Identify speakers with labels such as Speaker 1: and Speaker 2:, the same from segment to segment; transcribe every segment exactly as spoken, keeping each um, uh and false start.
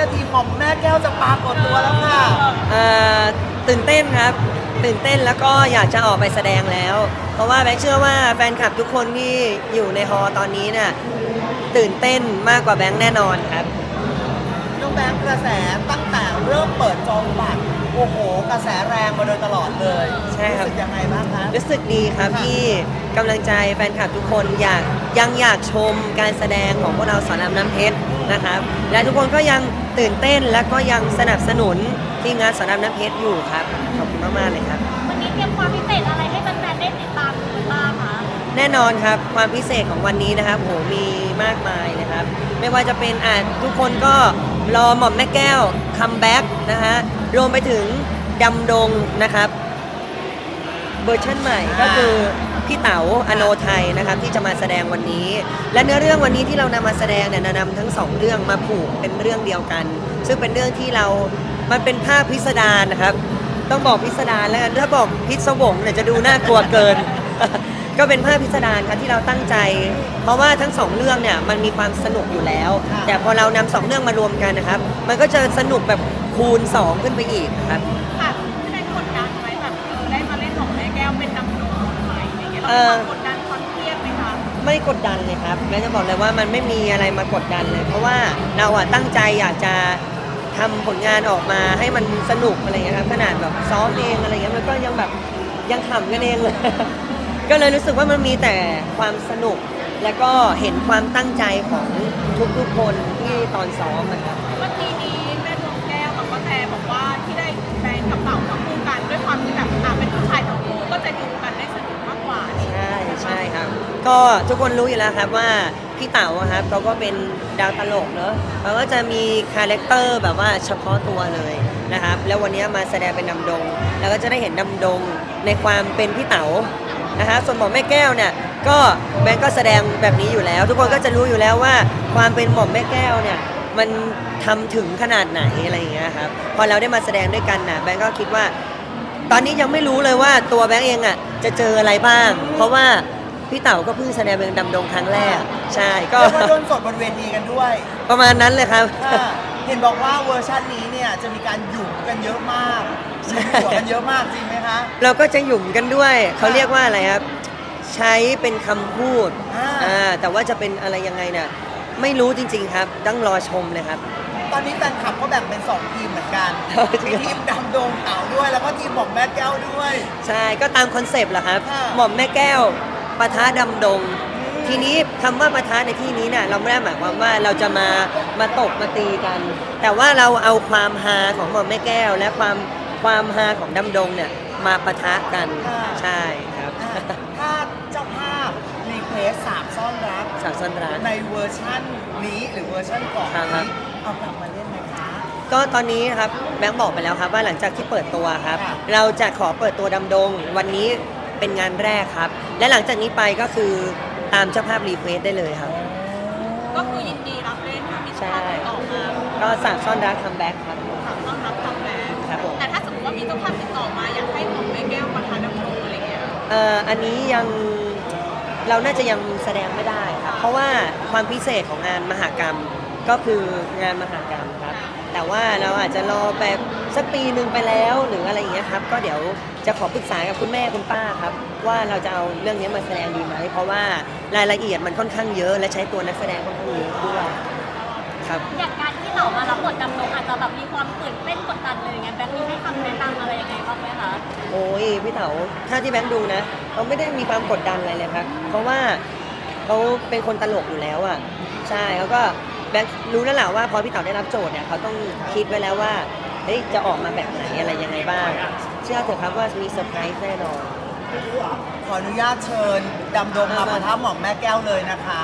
Speaker 1: นาทีหม่อมแม่แก้วจะปรากฏตัวแล้วค่ะ
Speaker 2: เอ่อตื่นเต้นครับตื่นเต้นแล้วก็อยากจะออกไปแสดงแล้ว เพราะว่าแบงค์เชื่อว่าแฟนคลับทุกคนที่อยู่ในฮอลล์ตอนนี้เนี่ยตื่นเต้นมากกว่าแบงค์แน่นอนครับ
Speaker 1: น้องแบงค์กระแสตั้งแต่เริ่มเปิดจองบัตรโอ้โหกระแสแรงมาโดยตลอดเลย
Speaker 2: ใช่ครับ
Speaker 1: รู้สึกยังไงบ้างคะ
Speaker 2: รู้สึกดีครับที่กำลังใจแฟนคลับทุกคนอยากยังอยากชมการแสดงของพวกเราสอนรามน้ำเพชรนะครับและทุกคนก็ยังตื่นเต้นและก็ยังสนับสนุนที่งานสอนรามน้ำเพชรอยู่ครับขอบคุณมากๆเลยครับ
Speaker 3: วันนี้เตรียมความพิเศษอะไรให้แฟนๆได้ติดตามหรือบ้างคะ
Speaker 2: แน่นอนครับความพิเศษของวันนี้นะครับโหมีมากมายนะครับไม่ว่าจะเป็นอ่าทุกคนก็รอหม่อมแม่แก้วคัมแบ็กนะฮะรวมไปถึงดำดงนะครับเวอร์ชันใหม่ก็คือพี่เต๋าอโนไทยนะครับที่จะมาแสดงวันนี้และเนื้อเรื่องวันนี้ที่เรานำมาแสดงเนี่ยนำทั้งสองเรื่องมาผูกเป็นเรื่องเดียวกัน ซึ่งเป็นเรื่องที่เรามันเป็นภาพพิสดารนะครับต้องบอกพิสดารแล้วกันถ้าบอกพิศวงเนี่ยจะดูน่ากลัวเกิน ก็เป็นภาพพิสดารครับที่เราตั้งใจ เพราะว่าทั้งสองเรื่องเนี่ยมันมีความสนุกอยู่แล้ว แต่พอเรานำสองเรื่องมารวมกันนะครับมันก็จะสนุกแบบคูณสองขึ้นไปอีกครับ
Speaker 3: ค่ะไม่ได้กดดันไหมแบบเออได้มาเล่นของแม่แก้วเป็นน้ำนมใหม่อย่างเงี้ยเราความกดดันความเครียดไหมคะ
Speaker 2: ไม่กดดันเลยครับแม่จะบอกเลยว่ามันไม่มีอะไรมากดดันเลย เพราะว่าเราอะตั้งใจอยากจะทำผลงานออกมาให้มันสนุกอะไรเงี้ยครับขนาดแบบซ้อมเองอะไรเงี้ยมันก็ยังแบบยังขำกันเองเลย ก็เลยรู้สึกว่ามันมีแต่ความสนุกและก็เห็นความตั้งใจของทุกๆคนที่ตอนซ้อมนะครับ
Speaker 3: เมื่อกี้นี้แม่ดวงแก้วกับป้าแพรบอกว่าที่ได้แฟนกับเต่ามาคู่กันด้วยความที่แบบอ่ะเป็นผู้ชายทั้งคู่ก็จะดูกันได้สนุกมากกว่า
Speaker 2: ใช่ใช่ครับก็ทุกคนรู้อยู่แล้วครับว่าพี่เต๋าครับเขาก็เป็นดาวตลกเนอะเขาก็จะมีคาแรคเตอร์แบบว่าเฉพาะตัวเลยนะครับแล้ววันนี้มาแสดงเป็นดำดงแล้วก็จะได้เห็นดำดงในความเป็นพี่เต๋านะฮะส่วนหม่อมแม่แก้วเนี่ยก็แบงก์ก็แสดงแบบนี้อยู่แล้ว ทุกคนก็จะรู้อยู่แล้วว่าความเป็นหม่อมแม่แก้วเนี่ยมันทำถึงขนาดไหนอะไรอย่างเงี้ยครับพอเราได้มาแสดงด้วยกันนะแบงก์ก็คิดว่าตอนนี้ยังไม่รู้เลยว่าตัวแบงก์เองอ่ะจะเจออะไรบ้างเพราะว่าพี่เต๋าก็เพิ่งแสดงเป็นดำดงครั้งแรกใช่ก็
Speaker 1: เรียกว่าโดนสดบนเวทีกันด้วย
Speaker 2: ประมาณนั้นเลยครับ
Speaker 1: เห็นบอกว่าเวอร์ชันนี้เนี่ยจะมีการหยุ่มกันเยอะมากหยุ่มกันเยอะมากจริงไหมคะ
Speaker 2: เราก็จะหยุ่มกันด้วยเขาเรียกว่าอะไรครับใช้เป็นคำพูดอ่าแต่ว่าจะเป็นอะไรยังไงเนี่ยไม่รู้จริงๆครับต้องรอชมเลยครับ
Speaker 1: ตอนนี้แฟนคลับก็แบ่งเป็นสองทีมเหมือนกันมีทีมดำดงเต๋าด้วยแล้วก็ทีมหม่อมแม่แก้วด้วย
Speaker 2: ใช่ก็ตามคอนเซปต์แหละครับหม่อมแม่แก้วปะทะดำดงทีนี้คำว่าปะทะในที่นี้เนี่ยเราไม่ได้หมายความว่าเราจะมามาตบมาตีกัน แต่ว่าเราเอาความฮาของหม่อมแม่แก้วและความความฮาของดำดงเนี่ยมาปะทะกันใช่ครับ
Speaker 1: ถ้าเจ้าภาพรีเควสสามซ่อนรัก
Speaker 2: สามซ่อนรัก
Speaker 1: ในเวอร์ชันนี้หรือเวอร์ชันก่อนนี้เอากลับมาเล่นไหมคะ
Speaker 2: ก็ตอนนี้ครับแบงค์บอกไปแล้วครับว่าหลังจากที่เปิดตัวครับเราจะขอเปิดตัวดำดงวันนี้เป็นงานแรกครับและหลังจากนี้ไปก็คือตามเจ้าภาพรีเควสได้เลยครับ
Speaker 3: ก็คือยินดีรับเล่นถ้ามีเจ้าภาพติดต่อมา
Speaker 2: ก็สามซ่อนรักคัมแบ็กครับ
Speaker 3: สามซ่อนรักคัมแบ็ก
Speaker 2: ครับผม
Speaker 3: แต่ถ้าสมมติว่ามีเจ้าภาพติดต่อมาอยากให้หม่อมแม่แก้วประธานดำรงอะไรเงี้ย
Speaker 2: เอ่ออันนี้ยังเราน่าจะยังแสดงไม่ได้ครับเพราะว่าความพิเศษของงานมหกรรมก็คืองานมหกรรมครับแต่ว่าเราอาจจะรอแบบสักปีหนึ่งไปแล้วหรืออะไรอย่างเงี้ยครับก็เดี๋ยวจะขอปรึกษากับคุณแม่คุณป้าครับว่าเราจะเอาเรื่องนี้มาแสดงดีไหมเพราะว่ารายละเอียดมันค่อนข้างเยอะและใช้ตัวนักแสดงค่อนข้างเยอะด้วยครับ
Speaker 3: อย่างการที่เรามารับบทดำรงอาจจะแบบมีความตื่นเต้นกดดันเลยอย่างเงี้ยแบงค์มีให้คำแนะนำอะไรยังไงบ้างไหมคะ
Speaker 2: โอ้ยพี่เต๋าถ้าที่แบงค์ดูนะเขาไม่ได้มีความกดดันอะไรเลยครับเพราะว่าเขาเป็นคนตลกอยู่แล้วอ่ะใช่เขาก็แบงค์รู้แล้วแหละว่าพอพี่เต๋าได้รับโจทย์เนี่ยเขาต้องคิดไว้แล้วว่าเฮ้ยจะออกมาแบบไหนอะไรยังไงบ้างเชื่อเถอะครับว่ามีเซอร์ไพรส์แน่นอน
Speaker 1: ขออนุญาตเชิญดำดงมาประทับหม่อมแม่แก้วเลยนะคะ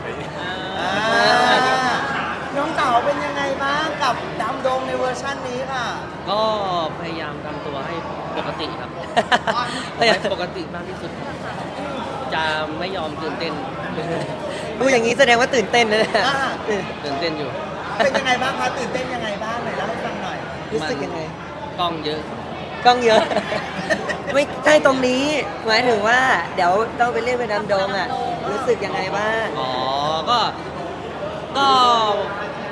Speaker 1: น้องเต๋าเป็นยังไงบ้างกับดำดงในเวอร์ชันนี้ค่ะ
Speaker 4: ก็พยายามทำตัวให้ปกติครับให้ปกติมากที่สุดจะไม่ยอมตื่นเต้น
Speaker 2: ดูอย่างนี้แสดงว่าตื่นเต้นนะเนี่ย
Speaker 4: ตื่นเต้นอยู่
Speaker 1: เป็นยังไงบ้างคะตื่นเต้นยังไงบ้างหน่อยเล่าให้ฟังหน่อย
Speaker 2: รู้สึกยังไง
Speaker 4: กล้องเยอะ
Speaker 2: กล้องเยอะไม่ใช่ตรงนี้หมายถึงว่าเดี๋ยวต้องไปเล่นเป็นดำดงอ่ะรู้สึกยังไงบ้าง
Speaker 4: อ๋อก็ก็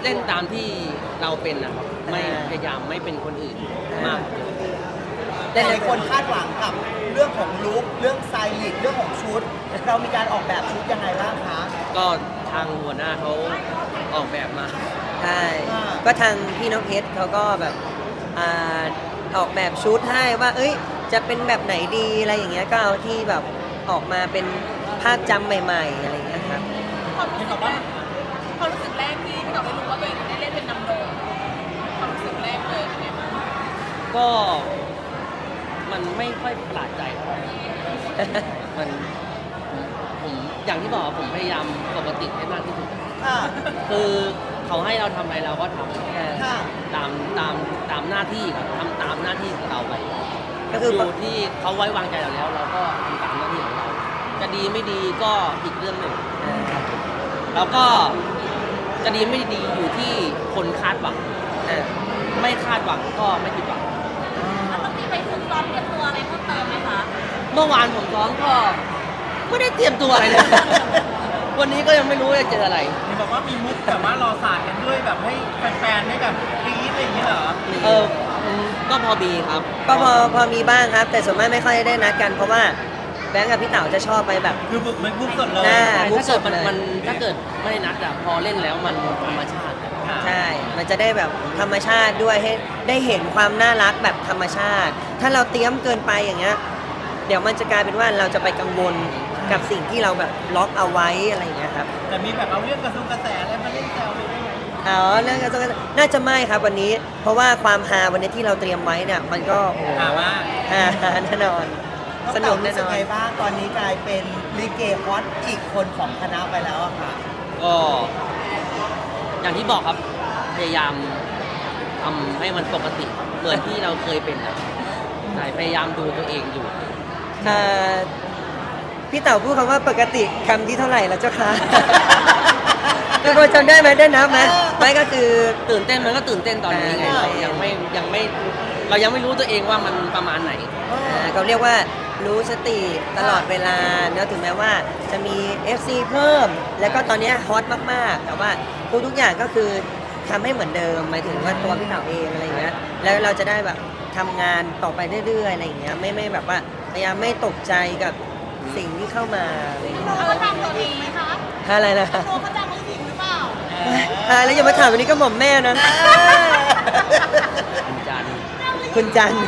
Speaker 4: เล่นตามที่เราเป็นนะครับไม่
Speaker 2: อ่า
Speaker 4: พยายามไม่เป็นคนอื่น
Speaker 2: อ่าม
Speaker 4: มาก
Speaker 1: แต่หลายคนคาดหวังกับเรื่องของลุคเรื่องสไตลิสต์เรื่องของชุด เรามีการออกแบบชุดยังไงบ้างคะ
Speaker 4: ก็ทางหัวหน้าเขาออกแบบมา
Speaker 2: ใช่
Speaker 1: อ่า
Speaker 2: ก็ทางพี่น้องเพชรเขาก็แบบอ่าออกแบบชุดให้ว่า เอ้ย จะเป็นแบบไหนดีอะไรอย่างเงี้ย ก็เอาที่แบบออกมาเป็นภาพจำใหม่ๆอะไรอย่างเงี้ยครับ
Speaker 3: ความรู้สึกแรกความรู้สึกแรกที่พี่ต่อได้รู้ว่าตัวเองได้เล่นเป็นนำโดงความรู้สึกแรกเลยเป็นไงบ้าง
Speaker 4: ก็มันไม่ค่อยประหลาดใจเท่าไหร่ มันผมอย่างที่บอกผมพยายามปกติให้มากที่สุด
Speaker 1: ค่ะ
Speaker 4: คือเขาให้เราทำอะไรเราก็ทำ
Speaker 1: ค่ะ
Speaker 4: ตามตามตามหน้าที่ครับทำตามหน้าที่ของเราไป
Speaker 2: ก็คือ
Speaker 4: อยู่ที่เขาไว้วางใจเราแล้ว เราก็ทำตามหน้าที่ของเรา จะดีไม่ดีก็อีกเรื่องหนึ่ง
Speaker 2: อ่า
Speaker 4: แล้วก็จะดีไม่ดีอยู่ที่คนคาดหวัง
Speaker 2: อ่า
Speaker 4: ไม่คาดหวังก็ไม่ผิดหวัง
Speaker 3: แล้วต้องมีไปฝึกซ้อมเตรียมตัวอะไรเพิ่มเติมไหมคะ
Speaker 4: เมื่อวานผมซ้อมก็ไม่ได้เตรียมตัวอะไรเลย วันนี้ก็ยังไม่รู้จะเจออะไร
Speaker 5: เห็นบอกว่ามีมุกแบบว่ารอสาดกันด้วยแบบให้แฟนๆได้แบบกรี๊ดอะไรอย่างเงี้ยเหรอ
Speaker 4: เออผมก็พอมีครับ
Speaker 2: ก็พอพอมีบ้างครับ แต่ส่วนมากไม่ค่อยได้นัดกัน เพราะว่าแบงค์กับพี่เต๋าจะชอบไปแบบ
Speaker 5: คือบุกมันมุกสดเลย
Speaker 2: หน้า
Speaker 4: ใช่
Speaker 2: มุก
Speaker 4: ถ้า
Speaker 2: ส
Speaker 4: เกิ
Speaker 2: ด
Speaker 4: ดมัน
Speaker 2: เลย
Speaker 4: มันถ้าเกิดไม่นัดอะพอเล่นแล้วมันธรรมชาติ
Speaker 5: ค่ะ
Speaker 2: ใช่ มันจะได้แบบธรรมชาติด้วยให้ได้เห็นความน่ารักแบบธรรมชาติ ถ้าเราเตรียมเกินไปอย่างเงี้ย เดี๋ยวมันจะกลายเป็นว่าเราจะไปกังวลกับสิ่งที่เราแบบล็อกเอาไว้อะไรอย่างเงี้ยครับ
Speaker 5: แต่มีแบบเอาเรื่องกระทรวงกระแสอะไรมาเล่นแซวเลยได้ไหม
Speaker 2: อ๋อเรื่องการต้องน่าจะไม่ครับวันนี้ เพราะว่าความฮาวันนี้ที่เราเตรียมไว้เนี่ยมันก็โอ้โห
Speaker 5: ถามว่า
Speaker 2: ฮาแน่นอน ส
Speaker 1: ส
Speaker 2: นุ
Speaker 1: นุ
Speaker 2: ก
Speaker 1: ก
Speaker 2: แน่
Speaker 1: แน่
Speaker 2: น
Speaker 1: น
Speaker 2: อน
Speaker 1: ไงบ้างตอนนี้กลายเป็นลิเกฮอตอีกคนของคณะไปแล้วอะค่ะ
Speaker 4: ก็อย่างที่บอกครับพยายามทำให้มันปกติเหมือนที่เราเคยเป็นนะใช่พยายามดูตัวเองอยู่
Speaker 2: เอ่อพี่เต๋าพูดคำว่าปกติคำที่เท่าไหร่แล้วเจ้าคะ ทุกคนจำได้ไหมได้นับไหมไม่ก็คือ
Speaker 4: ตื่นเต้นมันก็ตื่นเต้นตอนนี้ไง
Speaker 2: อ่า
Speaker 4: เรายังไม่ยังไม่เรายังไม่รู้ตัวเองว่ามันประมาณไหน
Speaker 2: อ่าเขาเรียกว่ารู้สติตลอดเวลาเนอะถึงแม้ว่าจะมี เอฟ ซี เพิ่ม แล้วก็ตอนนี้ฮอตมากๆ แต่ว่าทุกทุกๆอย่างก็คือทำให้เหมือนเดิมหมายถึงว่าตัวพี่เต๋าเองอะไรอย่างเงี้ยแล้วเราจะได้แบบทำงานต่อไปเรื่อยๆอะไรอย่างเงี้ยไม่ไม่แบบว่าพยายามไม่ตกใจกับสิ่งที่เข้ามาอะไรอย่างเงี้ย
Speaker 3: เขาจ้างตัวทีไหมคะ
Speaker 2: อะไรนะ
Speaker 3: โนเขาจ้างตัวทีหรือเปล่า
Speaker 2: อ่าแล้วอย่ามาถามวันนี้ก็หม่อมแม่นะ
Speaker 4: คุณจันทร์
Speaker 2: คุณจันทร์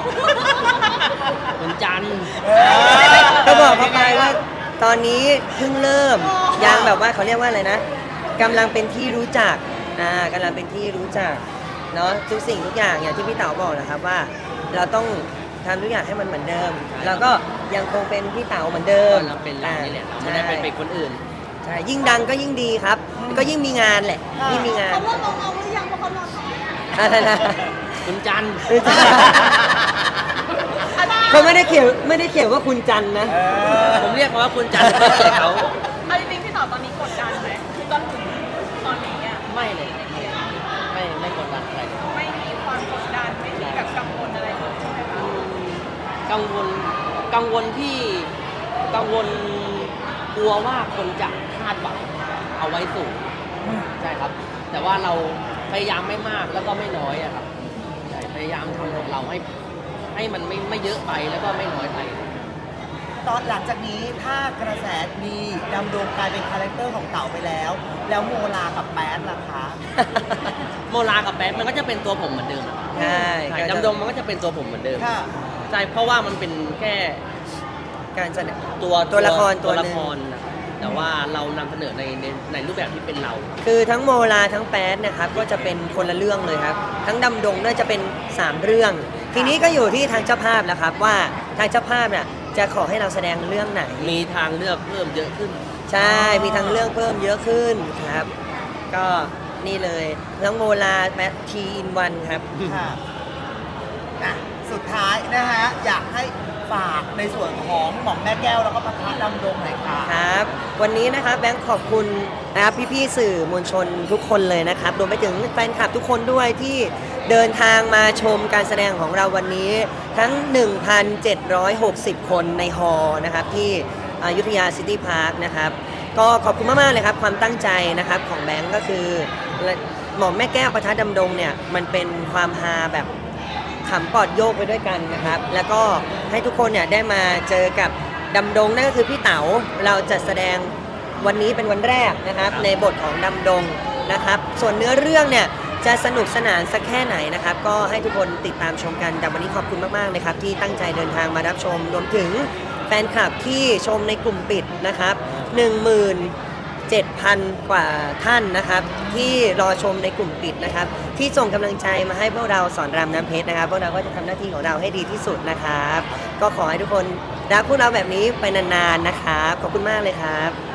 Speaker 4: คุณจันทร์
Speaker 2: ก็บอกเขาไปว่าตอนนี้เพิ่งเริ่มยังแบบว่าเขาเรียกว่าอะไรนะกำลังเป็นที่รู้จักอ่ากำลังเป็นที่รู้จักเนาะทุกสิ่งทุกอย่างอย่างที่พี่เต๋าบอกนะครับว่า เราต้องทำทุกอย่างให้มันเหมือนเดิม แล้วก็ยังคงเป็นพี่เต๋าเหมือนเดิม
Speaker 4: ก็เราเป็นเรานี่แหละเราไม่ได้ไปเป็นคนอื่น
Speaker 2: ใช่ยิ่งดังก็ยิ่งดีครับ ก็ยิ่งมีงานแหละยิ่งมีงาน
Speaker 3: เขาเริ่มมองเอาหรือยังเพราะเขานอนน้อยอะ
Speaker 2: อะไรนะ
Speaker 4: คุณจันทร์
Speaker 2: เขาไม่ได้เขียนไม่ได้เขียนว่าคุณจันทร์นะ
Speaker 4: ผมเรียกเขาว่าคุณจันทร์เพื่อเกียรติเขา
Speaker 3: เอาจริงๆพี่ต่อตอนนี้กดดันไหมจนถึงตอนนี้อ่ะ
Speaker 4: ไม่เลยไม่ไม่กดดันอะไรเลย
Speaker 3: ไม่มีความกดดันไม่มีแบบกังวลอะไรเลยใช่ไหมคะ
Speaker 4: กังวลกังวลที่กังวลกลัวว่าคนจะคาดหวังเอาไว้สูงใช่ครับ แต่ว่าเราพยายามไม่มากแล้วก็ไม่น้อยอะครับใช่พยายามทำของเราให้ให้มันไม่ไม่เยอะไปแล้วก็ไม่น้อยไป
Speaker 1: ตอนหลังจากนี้ถ้ากระแสดีดำดงกลายเป็นคาแรคเตอร์ของเต๋าไปแล้ว แล้วโมลากับแป๊ดล่ะคะ
Speaker 4: โมลากับแป๊ดมันก็จะเป็นตัวผมเหมือนเดิมอะ
Speaker 2: ใช่
Speaker 4: ใช่ดำดงมันก็จะเป็นตัวผมเหมือนเดิม
Speaker 1: ค่ะ
Speaker 4: ใช่เพราะว่ามันเป็นแค่
Speaker 2: การแสดง
Speaker 4: ตัว
Speaker 2: ตัวละครตั
Speaker 4: ตัว ว
Speaker 2: ห
Speaker 4: ละ
Speaker 2: นึ่ง
Speaker 4: ครนะแต่ว่าเรานำเสนอในในในรูปแบบที่เป็นเรา
Speaker 2: คือทั้งโมลาทั้งแป๊ดนะครับก็จะเป็นคนละเรื่องเลยครับ ทั้งดำดงน่าจะเป็นสามเรื่อง ทีนี้ก็อยู่ที่ทางเจ้าภาพแล้วครับว่าทางเจ้าภาพเนี่ยจะขอให้เราแสดงเรื่องไหน
Speaker 4: มีทางเลือกเพิ่มเยอะขึ้น
Speaker 2: ใช่ มีทางเรื่องเพิ่มเยอะขึ้นครับ ก็นี่เลยทั้งโมลาแป๊ดทีอินวันครับ
Speaker 1: ค่ะอ่ะ สุดท้ายนะฮะ อยากให้ฝากในส่วนของหม่อมแม่แก้วแล้วก็พระพัฒดำดงหน่อยค่ะ
Speaker 2: ครับ วันนี้นะครับแบงค์ขอบคุณนะครับพี่ๆสื่อมวลชนทุกคนเลยนะครับรวมไปถึงแฟนคลับทุกคนด้วยที่เดินทางมาชมการแสดงของเราวันนี้ทั้ง หนึ่งพันเจ็ดร้อยหกสิบ คนในฮอลล์นะครับที่อยุธยาซิตี้พาร์คนะครับก็ขอบคุณมากๆเลยครับความตั้งใจนะครับของแบงค์ก็คือหม่อมแม่แก้วปะทะดำดงเนี่ยมันเป็นความฮาแบบขำปอดโยกไปด้วยกันนะครับ แล้วก็ให้ทุกคนเนี่ยได้มาเจอกับดำดงนั่นก็คือพี่เต๋าเราจะแสดงวันนี้เป็นวันแรกนะครับในบทของดำดงนะครับส่วนเนื้อเรื่องเนี่ยจะสนุกสนานสักแค่ไหนนะครับก็ให้ทุกคนติดตามชมกันแต่วันนี้ขอบคุณมากๆนะครับที่ตั้งใจเดินทางมารับชมรวมถึงแฟนคลับที่ชมในกลุ่มปิดนะครับหนึ่งหมื่นเจ็ดพันกว่าท่านนะครับที่รอชมในกลุ่มปิดนะครับที่ส่งกำลังใจมาให้พวกเราสอนรามน้ำเพชรนะครับพวกเราก็จะทำหน้าที่ของเราให้ดีที่สุดนะครับก็ขอให้ทุกคนรักพวกเราแบบนี้ไปนานๆนะครับขอบคุณมากเลยครับ